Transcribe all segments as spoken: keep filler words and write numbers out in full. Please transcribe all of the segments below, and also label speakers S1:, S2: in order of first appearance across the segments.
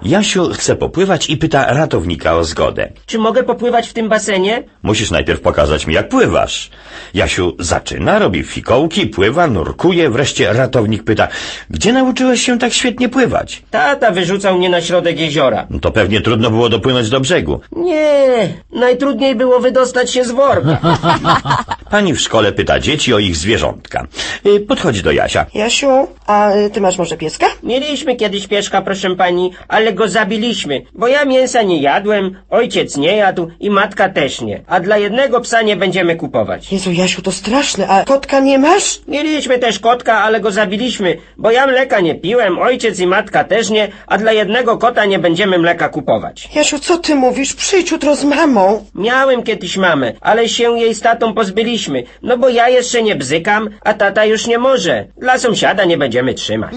S1: Jasiu chce popływać i pyta ratownika o zgodę.
S2: Czy mogę popływać w tym basenie?
S1: Musisz najpierw pokazać mi, jak pływasz. Jasiu zaczyna, robi fikołki, pływa, nurkuje, wreszcie ratownik pyta, gdzie nauczyłeś się tak świetnie pływać?
S2: Tata wyrzucał mnie na środek jeziora.
S1: No to pewnie trudno było dopłynąć do brzegu.
S2: Nie, najtrudniej było wydostać się z worka.
S1: Pani w szkole pyta dzieci o ich zwierzątka. Y, Podchodzi do Jasia.
S3: Jasiu, a ty masz może pieska?
S2: Mieliśmy kiedyś pieszka, proszę pani, ale go zabiliśmy, bo ja mięsa nie jadłem, ojciec nie jadł i matka też nie. A dla jednego psa nie będziemy kupować.
S3: Jezu, Jasiu, to straszne, a kotka nie masz?
S2: Mieliśmy też kotka, ale go zabiliśmy, bo ja mleka nie piłem, ojciec i matka też nie, a dla jednego kota nie będziemy mleka kupować.
S3: Jasiu, co ty mówisz? Przyjdź jutro z mamą.
S2: Miałem kiedyś mamę, ale się jej z tatą pozbyliśmy, no bo ja jeszcze nie bzykam, a tata już nie może. Dla sąsiada nie będziemy trzymać.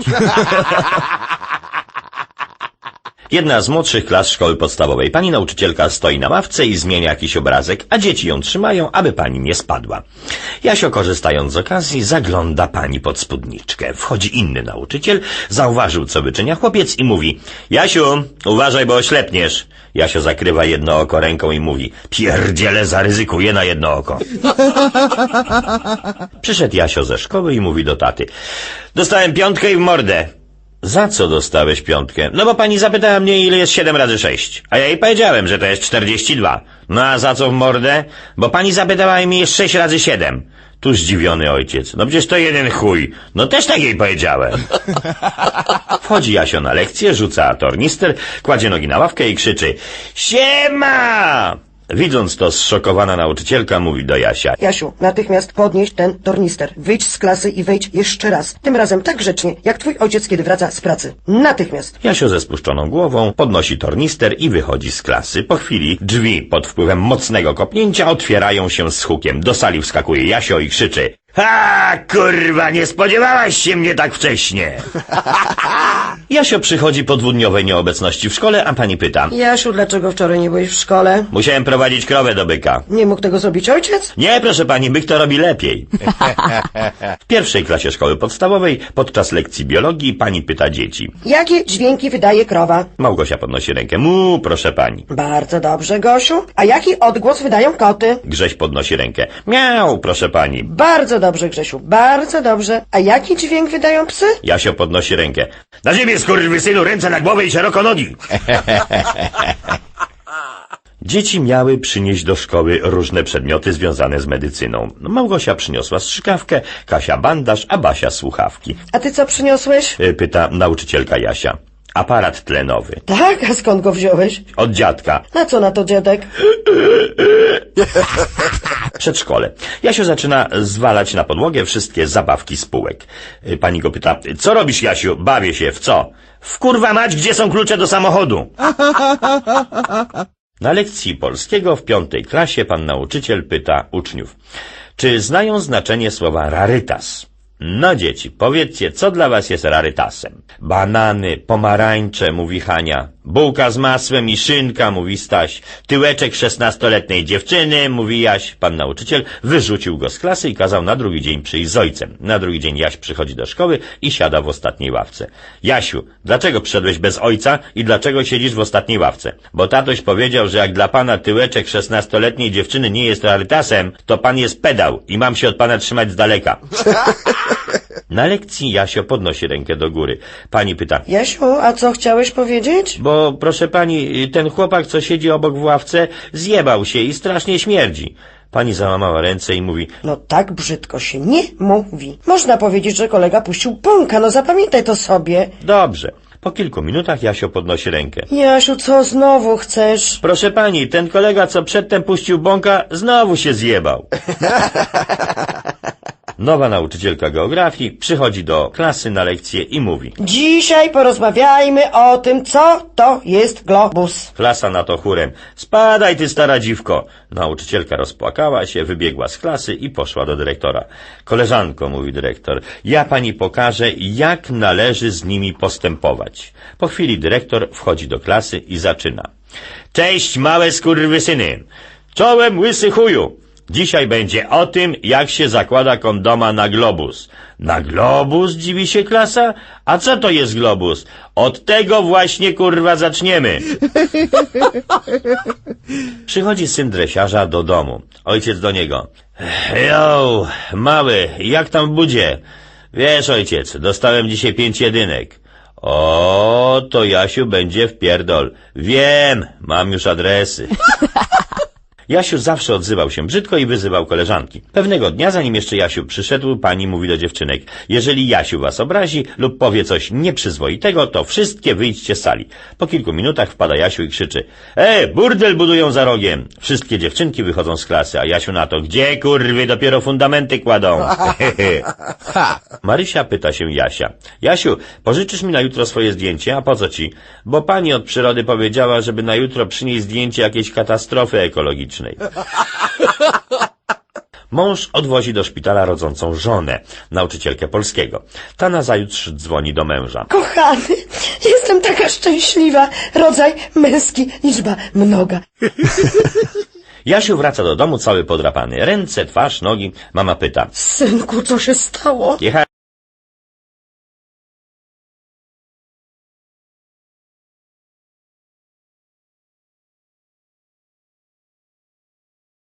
S1: Jedna z młodszych klas szkoły podstawowej. Pani nauczycielka stoi na ławce i zmienia jakiś obrazek, a dzieci ją trzymają, aby pani nie spadła. Jasio, korzystając z okazji, zagląda pani pod spódniczkę. Wchodzi inny nauczyciel, zauważył, co wyczynia chłopiec i mówi: Jasiu, uważaj, bo oślepniesz. Jasio zakrywa jedno oko ręką i mówi: pierdziele, zaryzykuję na jedno oko. Przyszedł Jasio ze szkoły i mówi do taty: dostałem piątkę i w mordę. Za co dostałeś piątkę? No bo pani zapytała mnie, ile jest siedem razy sześć. A ja jej powiedziałem, że to jest czterdzieści dwa. No a za co w mordę? Bo pani zapytała mnie, jest sześć razy siedem. Tu zdziwiony ojciec. No przecież to jeden chuj. No też tak jej powiedziałem. Wchodzi Jasio na lekcję, rzuca tornister, kładzie nogi na ławkę i krzyczy: siema! Widząc to, zszokowana nauczycielka mówi do Jasia:
S3: Jasiu, natychmiast podnieś ten tornister. Wyjdź z klasy i wejdź jeszcze raz. Tym razem tak grzecznie, jak twój ojciec, kiedy wraca z pracy. Natychmiast.
S1: Jasio ze spuszczoną głową podnosi tornister i wychodzi z klasy. Po chwili drzwi pod wpływem mocnego kopnięcia otwierają się z hukiem. Do sali wskakuje Jasio i krzyczy: ha, kurwa, nie spodziewałaś się mnie tak wcześnie. Jasio przychodzi po dwudniowej nieobecności w szkole, a pani pyta:
S3: Jasiu, dlaczego wczoraj nie byłeś w szkole?
S1: musiałem prowadzić krowę do byka.
S3: Nie mógł tego zrobić ojciec?
S1: Nie, proszę pani, byk to robi lepiej. W pierwszej klasie szkoły podstawowej podczas lekcji biologii pani pyta dzieci:
S3: Jakie dźwięki wydaje krowa?
S1: Małgosia podnosi rękę: mu, proszę pani.
S3: Bardzo dobrze, Gosiu. A jaki odgłos wydają koty?
S1: Grześ podnosi rękę: miau, proszę pani.
S3: Bardzo dobrze, Grzesiu, bardzo dobrze. A jaki dźwięk wydają psy?
S1: Jasio podnosi rękę: na ziemię, skurwysynu, ręce na głowę i szeroko nogi. Dzieci miały przynieść do szkoły różne przedmioty związane z medycyną. Małgosia przyniosła strzykawkę, Kasia bandaż, a Basia słuchawki.
S3: A ty co przyniosłeś?
S1: Pyta nauczycielka Jasia. Aparat tlenowy.
S3: Tak, a skąd go wziąłeś?
S1: Od dziadka.
S3: Na co na to, dziadek?
S1: Przedszkole. Jasio zaczyna zwalać na podłogę wszystkie zabawki z półek. Pani go pyta: co robisz, Jasiu? Bawię się. W co? W kurwa mać, gdzie są klucze do samochodu? Na lekcji polskiego w piątej klasie pan nauczyciel pyta uczniów: czy znają znaczenie słowa rarytas? No dzieci, powiedzcie, co dla was jest rarytasem? Banany, pomarańcze, mówi Hania. Bułka z masłem i szynka, mówi Staś. Tyłeczek szesnastoletniej dziewczyny, mówi Jaś. Pan nauczyciel wyrzucił go z klasy i kazał na drugi dzień przyjść z ojcem. Na drugi dzień Jaś przychodzi do szkoły i siada w ostatniej ławce. Jasiu, dlaczego przyszedłeś bez ojca i dlaczego siedzisz w ostatniej ławce? Bo tatoś powiedział, że jak dla pana tyłeczek szesnastoletniej dziewczyny nie jest rarytasem, to pan jest pedał i mam się od pana trzymać z daleka. Na lekcji Jasio podnosi rękę do góry. Pani pyta:
S3: Jasiu, a co chciałeś powiedzieć?
S1: bo proszę pani, ten chłopak, co siedzi obok w ławce, zjebał się i strasznie śmierdzi. Pani załamała ręce i mówi:
S3: No tak brzydko się nie mówi. Można powiedzieć, że kolega puścił bąka, no zapamiętaj to sobie.
S1: dobrze. Po kilku minutach Jasio podnosi rękę.
S3: Jasiu, co znowu chcesz?
S1: Proszę pani, ten kolega, co przedtem puścił bąka, znowu się zjebał. Nowa nauczycielka geografii przychodzi do klasy na lekcję i mówi:
S3: Dzisiaj porozmawiajmy o tym, co to jest globus.
S1: Klasa na to chórem: spadaj, ty stara dziwko. Nauczycielka rozpłakała się, wybiegła z klasy i poszła do dyrektora. Koleżanko, mówi dyrektor, ja pani pokażę, jak należy z nimi postępować. Po chwili dyrektor wchodzi do klasy i zaczyna: cześć, małe skurwysyny. Czołem, łysy chuju. Dzisiaj będzie o tym, jak się zakłada kondoma na globus. Na globus, dziwi się klasa? A co to jest globus? Od tego właśnie, kurwa, zaczniemy. Przychodzi syn dresiarza do domu. Ojciec do niego. Jo, mały, jak tam w budzie? Wiesz, ojciec, dostałem dzisiaj pięć jedynek. O, to Jasiu będzie w pierdol. Wiem, mam już adresy. Jasiu zawsze odzywał się brzydko i wyzywał koleżanki. Pewnego dnia, zanim jeszcze Jasiu przyszedł, pani mówi do dziewczynek: jeżeli Jasiu was obrazi lub powie coś nieprzyzwoitego, to wszystkie wyjdźcie z sali. Po kilku minutach wpada Jasiu i krzyczy: e, burdel budują za rogiem. Wszystkie dziewczynki wychodzą z klasy, a Jasiu na to: gdzie, kurwy, dopiero fundamenty kładą. Marysia pyta się Jasia: Jasiu, pożyczysz mi na jutro swoje zdjęcie? A po co ci? Bo pani od przyrody powiedziała, żeby na jutro przynieść zdjęcie jakiejś katastrofy ekologicznej. Mąż odwozi do szpitala rodzącą żonę, nauczycielkę polskiego. Ta nazajutrz dzwoni do męża.
S3: Kochany, jestem taka szczęśliwa. Rodzaj męski, liczba mnoga.
S1: Jasiu wraca do domu cały podrapany. Ręce, twarz, nogi. Mama pyta:
S3: Synku, co się stało?
S1: jechałem